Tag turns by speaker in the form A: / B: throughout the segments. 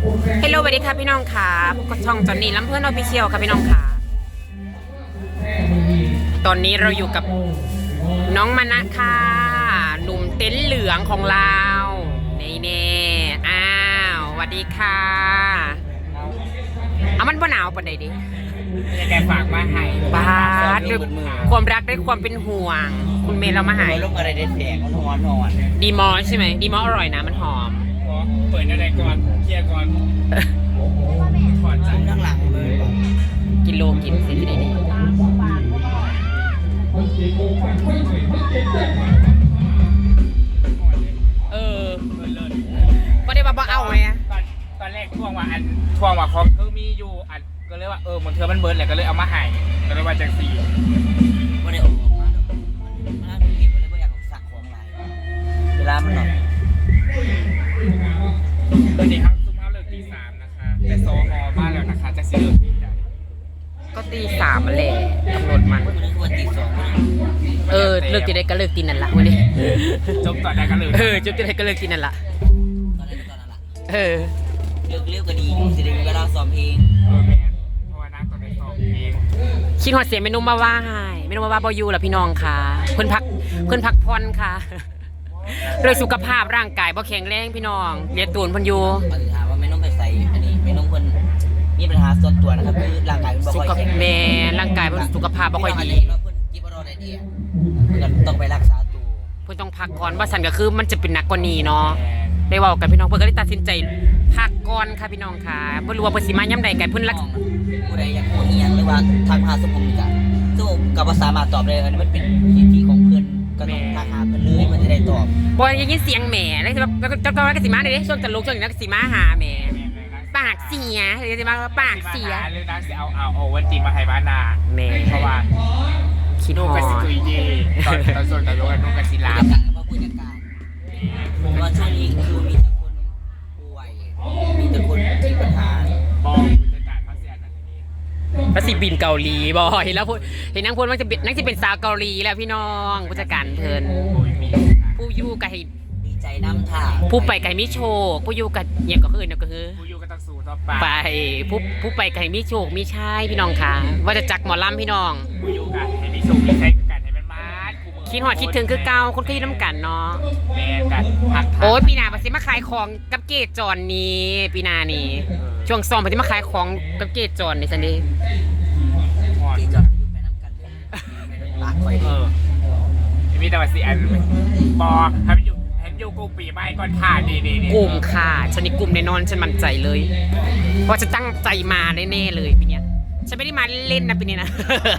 A: เฮลโลสวัสดีค่ะพี่น้องค่ะพบกับช่องจอนนี่ลำเพื่อนออฟฟิเชียลค่ะพี่น้องค่ะตอนนี้เราอยู่กับน้องมานะค่ะหนุ่มเต็นท์เหลืองของเราเน่อ้าวสวัสดีค่ะเอามันบ่หนาวปานใดดิ
B: แกฝากมาให้
A: บาสด้วยความรักด้วยความเป็นห่วงคุณเมย์เรามาให้
B: ลงอะไรได้แสงนอน
A: ดีมอใช่ไหมดีมออร่อยนะมันหอม
B: เปิดอะไรก่อนเคลียร์ก่อนถอดจากข้างหลังเลย
A: กินโลกินสิที่ไหนดีก็ได้มาเอาไหม
B: ตอนแรกช่วงว่าเขาคือมีอยู่อันก็เลยว่ามันเธอมันเบิร์ดแหละก็เลยเอามาให้ก็เลยว่าจากสี่ก็ได้ออกมามันเก็บไว้เลยก็อยากสักของลายเวลามันหน่อยตอนนี้ครับซุ้มเขาเลิกตี 3นะคะแต่โซฮอบ้านแล้วนะคะจะเลิกตีใด
A: ก็ตี 3มาแหละกำหนดมัน
B: วันตี 2
A: เลิกตีได้ก็เลิกตีนั่นละวันนี้
B: จบตอนไหนก็เลิก
A: จบตีได้ก็เลิกตีนั่นละ
B: ตอนนั้นละเลิกเร็วก็ดีสิได้เวลาซ้อมเพลงแมนเพราะว่านักตอนนี้ซ้อมเพลง
A: คิดหอดเสียงเมนูมาว่าให้เมนูมาว่าบอยูล่ะพี่น้องค่ะเพิ่นพักผ่อนค่ะโดยสุขภาพร่างกายบ่แข็งแรงพี่น้องเรียนตูนเพิ่นอยู่
B: ถามว่าไม่ต้องไปใส่อันนี้ไม่ต้องเพิ่นมีปัญหาส่วนตัวนะครับคือร่างกายมันบ่ค่อยแข็ง
A: แม่ร่างกายเพิ่นสุขภาพบ่ค่อยดี
B: เพิ่นกินบ่ได้ดีเพิ่นต้องไปรักษาตัว
A: เพิ่นต้องพักก่อนว่าซั่นก็คือมันจะเป็นหนักกว่านี้เนาะได้เว้ากันพี่น้องเพิ่นก็ได้ตัดสินใจพักก่อนค่ะพี่น้องค่ะบ่รู้ว่าเพิ่นสิมายามใดกันเพิ่นรัก
B: ผู้ใดอยากพูดอีหยังหรือว่าทักหาสมมุติก็บ่สามารถตอบได้อันนี้มันเป็นสิทธิของเพิ่นก็ต้องทักหาเพิ่นเลยมันจะได้ตอบ
A: บ่ได้ยินเสียงแหม่แล้วเจ้าก็สิมาได้ช่วงตลกช่วงนี้ก็สิมาหาแหม่ปากเสียเดี๋ยวสิมาปากเสีย
B: เรื่องนั้นสิเอาวันจริงมาให้บ้านนา
A: แม่
B: เพราะว่า
A: คิดฮอด
B: ก็สิตุยดีตอนส่วนตลกนุ่งก็สิลาเพราะว่าช่วงนี้คือมีแต่คนป่วยมีแต่คนมีปัญหาบ้องผู้จัดการเขาเสียนั่นนี่
A: แล้วสิบินเกาหลีบ่เห็นแล้วพูดเห็นนางพูดว่าจะเป็นสาวเกาหลีแล้วพี่น้องผู้จัดการเพิ่นผู้อยู่ก็ให้
B: ดีใจน้ำท่า
A: ผู้ไปไก่มิโชคผู้อยู่กับเงียบก็คือก็คือ
B: ผู้อยู่ก็ต้องสู้ต่อ
A: ไปผู้ไปไก่มิโชคมิชายพี่น้องค่ะว่าจะจักหมอลำพี่น้อง
B: ผู้อยู่กันให้มีสุขมีชัยกันให้มันมา
A: คิดหอดคิดถึงคือเก่าคนเคยน้ำกันเนาะ
B: แม่กัน
A: โอ้ยปีหน้าปะสิมาขายของกับเกจจอนนี้ปีหน้านี่ช่วงซ้อมปะสิมาขายของกับเกจจอนนี่สันดี
B: เกจจอนอยู่ไปน้ำกันปากไว้มีแต่ว่าสิอันบอให้มันอยู่กูปีใบก่อนค่ะดี
A: กลุ่มค่ะฉันนี่กลุ่มแน่นอนฉันมั่นใจเลยเพราะจะตั้งใจมาแน่ๆเลยปีนี้ฉันไม่ได้มาเล่นนะปีนี้นะ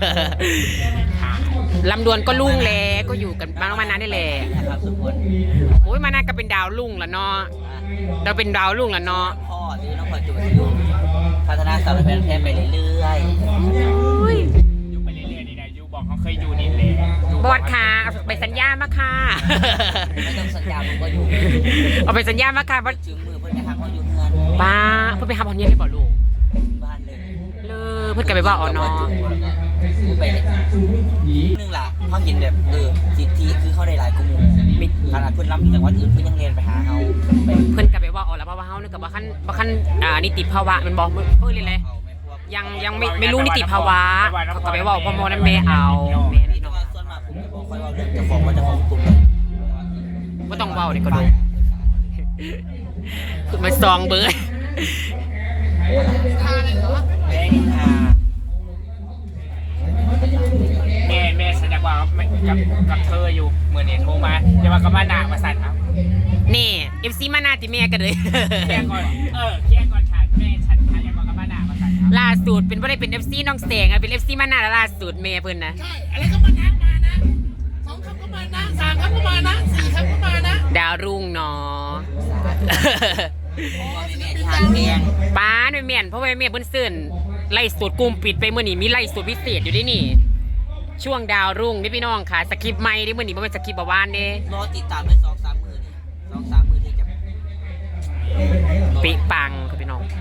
A: ลำดวนก็ลุ่งแล้วก็อยู่กันมานานได้แหละโอ้ยมานาก็เป็นดาวลุ่งแล้วเนาะเราเป็นดาวลุ่งแล้วเนาะ
B: พ่อที่น้องพ่อจูอยู่พัฒนาสาวแพร่ไปเรื่อยๆอยู่ไปเรื่อยๆนี่นะอยู่บอกเขาเคยอยู่นี่เลย
A: บอดค่ะไปสัญญามาค่ะ
B: ไม่ต้องสัญญาผมก็อยู่
A: เอาไปสัญญามาค่ะว่า
B: จึงมือเพื่อนไปหาเขาอยู่เงิน
A: ป้าเพื่อนไปหาพ่อเนี่ยได้บอกลูก
B: บ้านเลย
A: เพื่อนกันไปว่าอ๋อน้อง
B: ไปนึงล่ะเขาเห็นแบบสิทธิคือเขาได้หลายกลุ่มขนาดเพื่อนรับจังหวัดอื่นเพื่อนยังเรียนไปหาเขา
A: เพื่อนกันไปว่าอ๋อแล้วเพราะว่าเขานึกว่าขั้นนิติภาวะมันบอกเพื่อนเลยยังไม่รู้นิติภาวะเขาก็ไปว่าพ่อโมนั่นแม่เอาแม่นี่เนาะ
B: ส่วนมากผมจะบอกค่อยว่าเรื่องจะฟ้องว่าจะฟ้องกลุ่ม
A: ก็ต้องเว้าเลยก็ดูคุณมาซองเบอร์
B: แม่ฉันอยากว่ากับเธออยู่เมื่อเนี่ยโทรมาจะว่ากับมาหนามาสั่นครับ
A: นี่FC มาหนาติแม่กันเลย
B: เคลียร์ก่อนฉันแม่ฉันอยากว่ากับมาหนามาสั่นครับ
A: ล่าสุดเป็นว่าได้เป็น FC น้องแสงเป็น FC มาหนาล่าสุดแม่เพิ่นนะ
C: ใช่อะไรก็มานะ2 คำก็มานะ3 คำก็มานะ4 คำก็มานะ
A: ดาวรุ่งเนาะป้าหน่วยเมียนเพราะว่าเมียเพิ่นซื่นไล่สูตรกลุ่มปิดไปเมื่อนี้มีไล่สูตรพิเศษอยู่ด้วยนี่ช่วงดาวรุ่งนี่พี่น้องค่ะสคริปต์ใหม่ดิเมื่อนี้มันเป็นสคริปต์ประวานนี่
B: รอติดตามไป2-3 มื้อนี่2-3 มื้อที่จะ
A: ปิปังค่ะพี่น้อง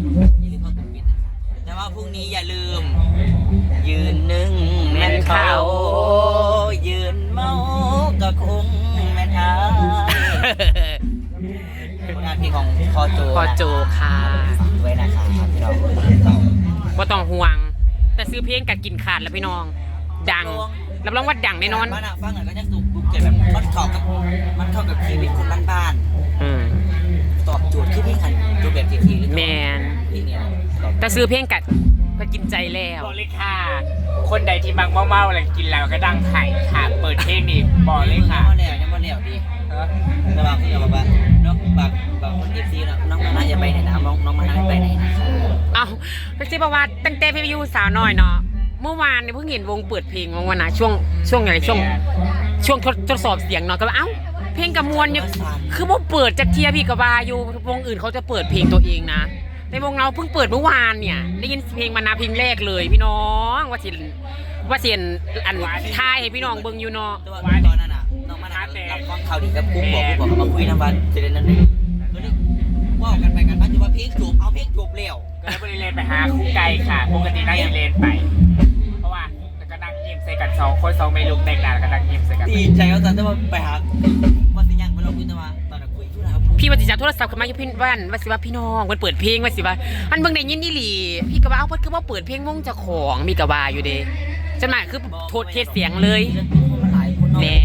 B: แต่ว่าพรุ่งนี้อย่าลืมยืนหนึ่งแม่นเขายืนเมาก็คงแม่นอายงานเพลงของพ่อโจ
A: พอโจค่ะ
B: ฝากด้วยนะคะพี่น้อง
A: บ่ต้องห่วง แต่ซื้อเพลงกัดกินขาดแล้วพี่น้อง ดังรับรองว่าดังแน่นอน
B: บ้านฟังหน่อยก็จะสูบบุกเก็บแบบมันเข้ากับชีวิตคนบ้าน
A: อืม
B: ๆตอบโจทย์คือพี่ขันโจทย์แบบทีๆหรือ
A: แมน
B: พี่เนี่ย
A: แต่ซื้อเพลงกัดก็กินใจแล้ว
B: บอกเลยค่ะ คนใดที่มักเมาๆอะไรกินแล้วก็ดังไข่ค่ะเปิดเพลงนี่บอกเลยค่ะยังมาแล้วดีระหว่างที่เราแบบน้องบางคนเอฟซีน้องมาน่าจะไปไหนนะน้องมาน่าไปไหนนะ
A: เอาพี่ซิบอกว่าตั้งแต่พี่ยูสาวน้อยเนาะเมื่อวานเนี่ยเพิ่งเห็นวงเปิดเพลงวันนะช่วงอะไรช่วงทดสอบเสียงเนาะก็ว่าเอ้าเพลงกับมวลเนี่ยคือว่าเปิดจากเทียพี่กับบาอยู่วงอื่นเขาจะเปิดเพลงตัวเองนะในวงเราเพิ่งเปิดเมื่อวานเนี่ยได้ยินเพลงมานาเพลงแรกเลยพี่น้องว่าเสียนอันท้ายให้พี่น้องเบิ่งอยู่เนาะ
B: ตอนนั้นน่ะน้องมาน่ารับฟังข่าวดีกับกุ้งบอกเขามาคุยน้ำวันเสร็จนั้นก็เลยว่ากันไปกันมาจะว่าเพลงจบเอาเพลงจบเร็วก็เลยบริเลนไปหาคู่ไก่ค่ะปกตินั่งเลนไปเพราะว่าก็นั่งยิ้มใส่กัน2 คน2เมลูกแต่งหน้าก็นั่งยิ้มใส่กันดีใจเขาตอนที่ว่าไปหาว่าสิยังมาลงคุยแต่ว่าตอนนั้นคุยอยู่นะครับ
A: พี่ว่าสิจับโทรศัพท์ขึ้นมาอยู่พี่ว่าสิว่าพี่น้องมันเปิดเพลงว่าสิว่าอันเบิ่งได้ยินอีหลีพี่ก็ว่าเอาเพิ่นคือว่าเปิดเพลงวงเจ้าของมีก็ว่าอยู่เด้จังหวะคือโทษเทศเสียงเลยแน่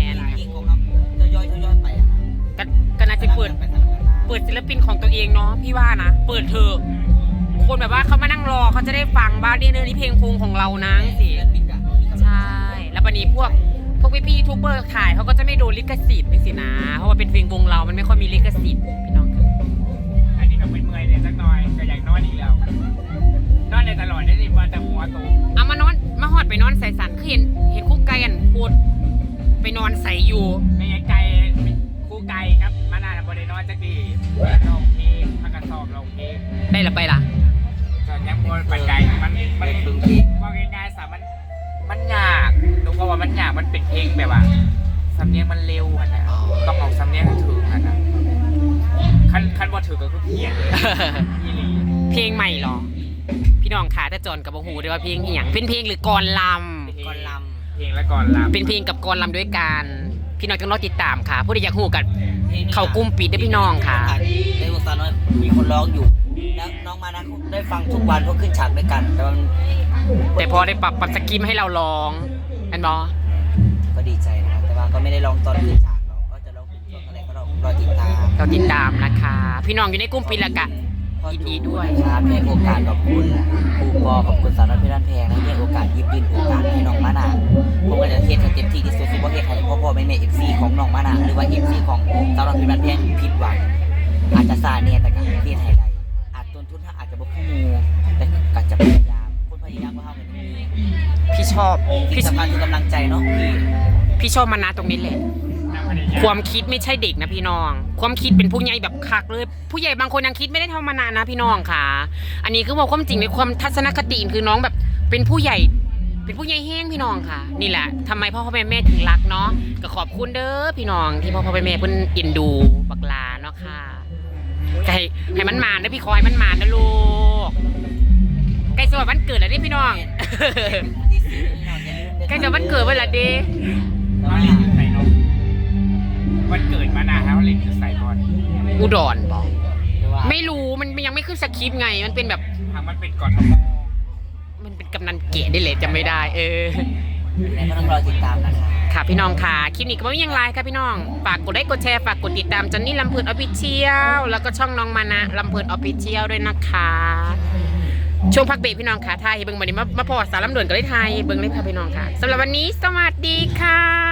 A: ก็น่าจะเปิดศิลปินของตัวเองเนาะพี่ว่านะเปิดเถอะคนแบบว่าเขามานั่งรอเขาจะได้ฟังบ้างนี่เพลงคงของเรานะสิใช่แล้ววันนี้พวกพี่ยูทูบเบอร์ถ่ายเขาก็จะไม่โดนลิขสิทธิ์ไม่สินะเพราะว่าเป็นเพลงวงเรามันไม่ค่อยมีลิขสิทธิ์พี่น้องค่ะอันนี้ก็เมื่อยเนี่ยสักหน่อยก็อยากนอนอีกแล้วนอนในตลอดได้ดิว่าแต่หัวโตเอามานอนมาหอดไปนอนใส่สันคือเห็นคู่ไก่กันพูดไปนอนใส่อยู่ไม่ใช่ไก่คู่ไก่ครับมานาบริโนอนจักดีลองเพลงพักกระสอบลองเพลงได้ละไปล่ะก็ยังบนปัจจัยมันว่าง่ายๆสามันยากดูก็ว่ามันยากมันเป็นเพลงแบบว่าสำเนียงมันเร็วอ่ะนะต้องเอาสำเนียงถืออ่ะนะคันว่าถือก็คือเพี้ยนเพลงใหม่หรอพี่น้องขาแต่จอนกับโอ้โหด้วยว่าเพลงอย่างเป็นเพลงหรือกรลำเพลงและกรลำเป็นเพลงกับกรลำด้วยกันพี่น้องต้องรอติดตามค่ะผู้ใดอยากหูกันเขากุมปิดได้พี่น้องค่ะ
B: ในวงสาวน้อยมีคนร้องอยู่แล้วน้องมานะได้ฟังทุกวันเพราะขึ้นฉากด้วยกัน
A: แต่พอได้ปรับสกิมให้เราร้องอันบอ
B: ก็ดีใจนะครับแต่ว่าก็ไม่ได้ร้องตอนขึ้นฉากเราก็จะร้องเป็นช่วงอะไรก็เราติดตามนะคะพี่น้องอยู่ในกลุ่มปิดละกะยินดีด้วยครับให้โอกาสขอบคุณครูปอขอบคุณสาวน้อยเพชรบ้านแพงให้โอกาสยิบยืนโอกาสให้น้องมานะผมก็จะเทสให้เต็มที่ที่สุดสิว่าเทสให้พ่อแม่เอฟซีของน้องมานะหรือว่าเอฟซีของสาวน้อยเพชรบ้านแพงผิดหวังอาจจะซาเนี่ยแต่ก็เทสให้ได้อาจต้นทุนอาจจะบกพร่องแต่ก็จะพยายามคนพยายามก็เท่ากัน
A: พี่ชอบ
B: พี่สำคัญคือกำลังใจเนาะ
A: พี่ชอบมานะตรงนี้แหละความคิดไม่ใช่เด็กนะพี่น้องความคิดเป็นผู้ใหญ่แบบคักเลยผู้ใหญ่บางคนยังคิดไม่ได้เท่ามานานนะพี่น้องค่ะอันนี้คือบอกความจริงในความทัศนคติคือน้องแบบเป็นผู้ใหญ่แห้งพี่น้องค่ะนี่แหละทำไมพ่อแม่ถึงรักเนาะก็ขอบคุณเด้อพี่น้องที่พ่อแม่เพิ่นอินดูบักลาเนาะค่ะให้มันมานะพี่คอยมันมานะลูกใกล้สวัสดิ์วันเกิดแล้วนี่พี่น้องใกล้จะวันเกิดเวลาเด้
B: วันเกิดมานาแล้วเล่นคือใส่บอล
A: อุดรบอกไม่รู้มันยังไม่ขึ้นสคริปต์ไงมันเป็นแบบ
B: มันเป็นก่อน
A: มันเป็นกำนันเก๋ได้เลยจำไม่ได้
B: แล้วก็ต้องรอติดตามนะคะ
A: ค่ะพี่น้องค่ะคลิปนี้ก็ไม่ยังไลค์ค่ะพี่น้องฝากกดไลค์กดแชร์ฝากกดติดตามจอนนี่ลำเพลินออฟฟิเชียลแล้วก็ช่องน้องมานะลำเพลินออฟฟิเชียลด้วยนะคะช่วงพักเบรกพี่น้องค่ะไทยเบิ้งวันนี้มาพอสารลำด่วนก็เลยไทยเบิ้งเลยค่ะพี่น้องค่ะสำหรับวันนี้สวัสดีค่ะ